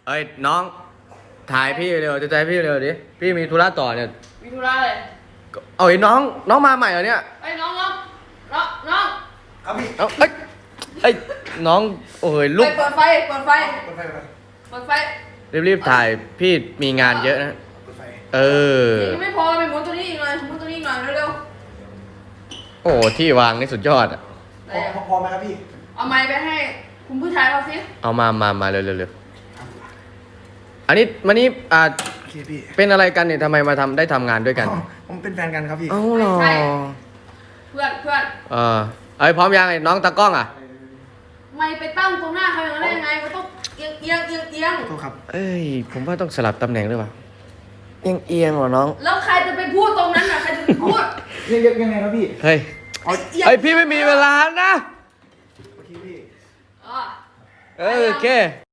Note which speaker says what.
Speaker 1: เอ้ยน้องถ่ายพี่เร็วจะถ่ายพี่เร็วดิพี่มีธุระต่อเนี่ย
Speaker 2: มีธุระเลย
Speaker 1: เอาไอ้น้องมาใหม่เหรอเนี่ย
Speaker 2: ไอ้ยน้อง
Speaker 3: ครับพี่
Speaker 1: เอาเอ้ยน้องโอ้ยลุก
Speaker 2: เปิดไฟ
Speaker 3: เปิดไฟเปิดไฟ
Speaker 2: เปิดไฟ
Speaker 1: รีบถ่ายพี่มีงานเยอะนะ
Speaker 3: เปิดไฟ
Speaker 1: เออ
Speaker 2: ยังไม่พอไปหมุนตัวนี้อีกหน่อยหมุนตัวนี้อีกหน่อยเร็ว
Speaker 1: โอ้ที่วางนี่สุดยอดอ่ะ
Speaker 2: ๆ
Speaker 3: พอไหมครับพี่
Speaker 2: เอาไม้ไปให้คุณผู้ชายเขาสิ
Speaker 1: เอามาเร็วอันนี้วันนี้
Speaker 3: โอเคพี่
Speaker 1: เป็นอะไรกันเนี่ยทำไมมาได้ทำงานด้วยกัน
Speaker 3: ผมเป็นแฟนกันครับพี่
Speaker 1: เอ้าเหรอ
Speaker 2: เพื่อน
Speaker 1: เอ้ยพร้อมยังไอ้น้องตากล้องอ่ะ
Speaker 2: ไม่ไปตั้งตรงหน้าเขาอย่างนั้นได้ยังไงมันต้องเอียง
Speaker 3: โทษครับ
Speaker 1: เอ้ยผมว่าต้องสลับตำแหน่งหรือเปล่าเอียงเหรอน้อง
Speaker 2: แล้วใครจะไปพูดตรงนั้นน่ะใครจะไปพูด
Speaker 3: ยังไงครับพี่
Speaker 1: เฮ้ย เฮ้ยพี่ไม่มีเวลานะ
Speaker 3: โอเคพี่
Speaker 2: อ๋อ
Speaker 1: โอเค